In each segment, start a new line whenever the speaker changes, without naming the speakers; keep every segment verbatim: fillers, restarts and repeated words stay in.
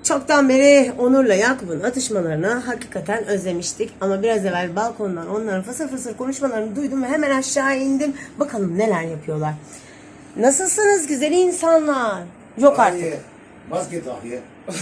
Çoktan beri Onur'la Yakup'un atışmalarını hakikaten özlemiştik. Ama biraz evvel balkondan onların fısır fısır konuşmalarını duydum ve hemen aşağı indim. Bakalım neler yapıyorlar. Nasılsınız güzel insanlar? Yok artık.
Ay, maske takıyor.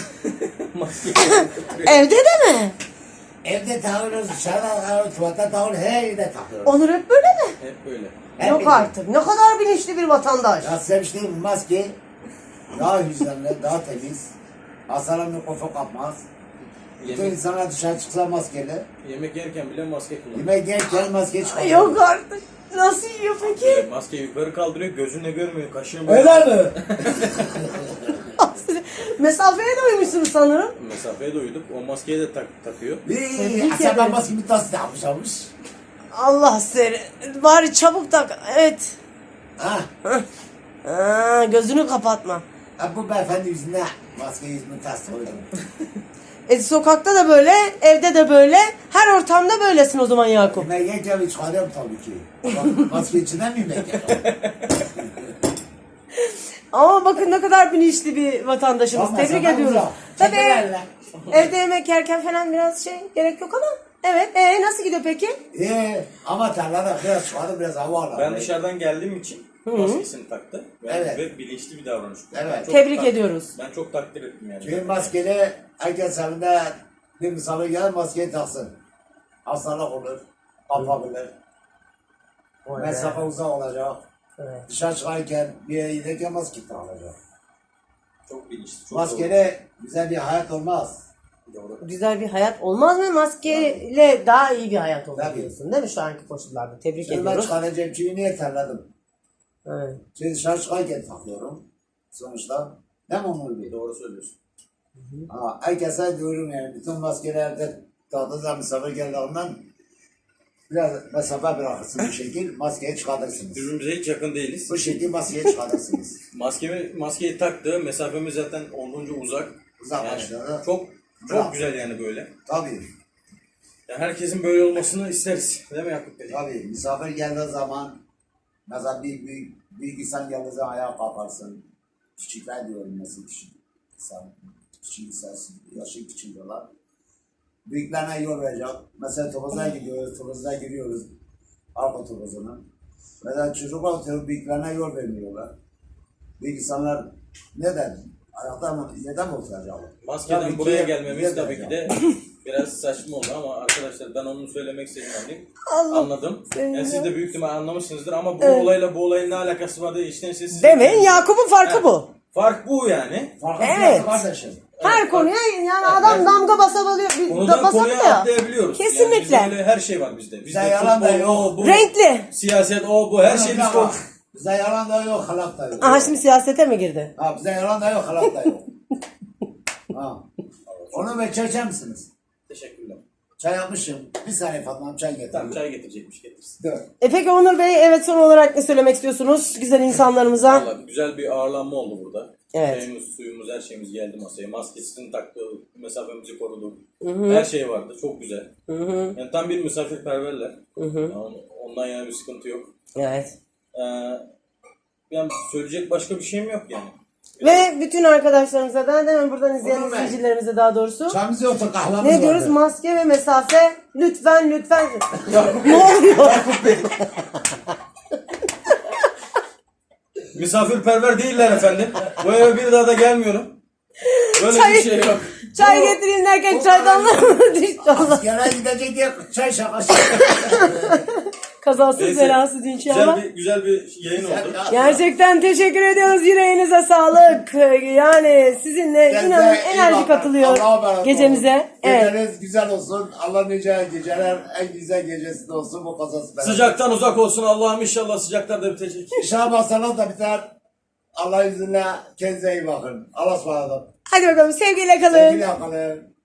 Evde de mi?
Evde takıyoruz, dışarıda takıyoruz, tuvalette takıyoruz, her yerde takıyoruz.
Onur hep böyle mi?
Hep böyle.
Hep
Yok
böyle.
artık. Ne kadar bilinçli bir vatandaş.
Ya seviştiğim maske daha hijyenli, daha temiz. Hastalar mikrofon kapmaz. Bütün
Yemek,
insanlar dışarı çıksa maskeli.
yemek yerken bile maske kullanıyor.
Yemek yerken maske çıkıyor.
Yok artık. Nasıl yiyor peki?
Böyle maskeyi yukarı kaldırıyor, gözünle görmüyor, kaşığını
Öyle mi?
Mesafeye de uymuşsunuz sanırım.
Mesafeye de uyduk. O maskeyi de tak, takıyor.
Tebrik
Bir asabdan
ederim.
maske bir tas takmış almış.
Allah seni. Bari çabuk tak. Evet.
Ha.
Aa, gözünü kapatma.
Ha, bu beyefendi yüzüne maske yüzünü tas koydum.
E, sokakta da böyle, evde de böyle, her ortamda böylesin o zaman Yakup.
Yemek yerken çıkarıyorum tabii ki. Bak, maske içinden mi yemek yiyorum?
Ama bakın ne kadar bilinçli bir vatandaşımız.
Ama
Tebrik
sana
ediyoruz.
uzak.
Tabii
Çekelerle.
evde yemek yerken falan biraz şey gerek yok ama. Evet. E, nasıl gidiyor peki?
Ee, ama tarlada biraz çıkardı, biraz hava aldı.
Ben dışarıdan geldiğim için maskesini taktı. Ve,
Evet.
ve bilinçli bir davranış. bu.
Evet.
Ben çok
Tebrik
tak-
ediyoruz.
Ben çok takdir ettim yani.
Çünkü maskeli herkes evinde bir misafir gelir maskeyi taksın. Hastalık olur, kapabilir. Mesafe uzak olacak.
Evet.
Dışarı çıkarken bir yere giderken maske takılacak.
Çok bilinçli. Çok
Maskeli güzel bir hayat olmaz.
doğru. Doğru.
Güzel bir hayat olmaz mı? Maskeyle daha iyi bir hayat olur
Tabii.
diyorsun değil mi şu anki koşullarda? Tebrik
Şimdi ben
ediyoruz.
çıkaracağım çünkü niye terledim?
Evet.
Şimdi dışarı çıkarken takıyorum. Sonuçta değil mi Onur Bey?
Doğru söylüyorsun.
Ha, herkese diyorum yani bütün maskelerde tahtınıza misafir geldiğinden biraz mesafe bırakırsınız bu şekil maskeyi çıkartırsınız.
Birbirimize hiç yakın değiliz.
Bu şekil maskeyi çıkartırsınız.
Maskemi, maskeyi taktı. Mesafemiz zaten olduğunca uzak.
Uzaklaştırdı.
Yani çok
Bravo.
çok güzel yani böyle.
Tabii,
Yani herkesin böyle olmasını isteriz. Değil mi Yakup Bey?
tabii. Misafir geldiği zaman mesela büyük, büyük, büyük insan geldiği zaman ayağa kalkarsın. Küçükler diyorum mesela küçük insan. Küçük insan, yaşı küçük diyorlar. Büyüklerine yol verecek. Mesela topuza gidiyoruz, topuza giriyoruz. Arka topuzuna. Mesela çocuklar oturup büyüklerine yol vermiyorlar. Büyük insanlar neden? Ayakta mı, neden mi oturacaklar?
Maskeden
Tabii ki
buraya gelmemiz
neden
tabii ki de biraz saçma oldu ama arkadaşlar ben onu söylemek istediğim anlayayım.
Allah
Anladım.
seni
Yani
ya.
siz de büyük ihtimal anlamışsınızdır ama bu
Evet.
olayla bu olayın ne alakası var diye içten içe siz...
Demeyin Yakup'un farkı bu.
Fark bu yani.
Farklı
Evet.
kardeşim.
Her konuya yani adam
evet.
damga basabiliyor. Bir
Konudan
basamıyor
konuya
ya.
atlayabiliyoruz.
Kesinlikle.
Yani bizde öyle her şey var bizde. Bizde
Bizde yalan da
futbol,
yok.
o, bu,
Renkli.
siyaset, o, bu her şey biz
Bize
konuş.
Bize yalan da yok, halak da yok.
Aha şimdi siyasete mi girdi?
Ha, bize yalan da yok, halak da yok. Ha. Onu ve çay içer misiniz?
Teşekkürler.
Çay yapmışım. Bir saniye Fatma'm çay getir.
Tamam çay getirecekmiş getirsin.
Dur.
E peki Onur Bey evet son olarak ne söylemek istiyorsunuz güzel insanlarımıza?
Vallahi güzel bir ağırlanma oldu burada.
Evet.
Çayımız, suyumuz, her şeyimiz geldi masaya. Maskesini taktı, mesafemizi koruduk. Her şey vardı. Çok güzel.
Hı hı.
Yani tam bir misafirperverler.
Hı hı.
Yani ondan yana bir sıkıntı yok.
Evet.
Ee, yani söyleyecek başka bir şeyim yok yani.
Ve bütün arkadaşlarımıza da hemen buradan izleyen
Onur Bey.
izleyicilerimize daha doğrusu
Çayımız yoksa kahvemiz
ne diyoruz?
vardı.
Maske ve mesafe lütfen lütfen. Ne oluyor?
Misafirperver değiller efendim. Bu eve bir daha da gelmiyorum. Böyle
Çay-
bir şey yok.
Çay getireyim derken çaydanlığı düştü Allah.
Askere gidecek diye çay şakası.
Kazasız
Neyse,
belasız inşallah.
Güzel bir, güzel bir yayın oldu.
Gerçekten teşekkür ediyoruz. Yüreğinize sağlık. Yani sizinle
Kendinize
inanın
iyi
enerji
bakın.
katılıyor
Allah'a emanet olun.
gecemize. Evet.
Geceniz güzel olsun. Allah nice geceler, en güzel gecesi de olsun bu kazası beraber.
Sıcaktan uzak olsun Allah'ım inşallah sıcaklar da bitecek.
İnşallah masalar da biter. Allah izniyle kendinize iyi bakın. Allah'a ısmarladık.
Hadi bakalım sevgiyle kalın.
Sevgili yapalım.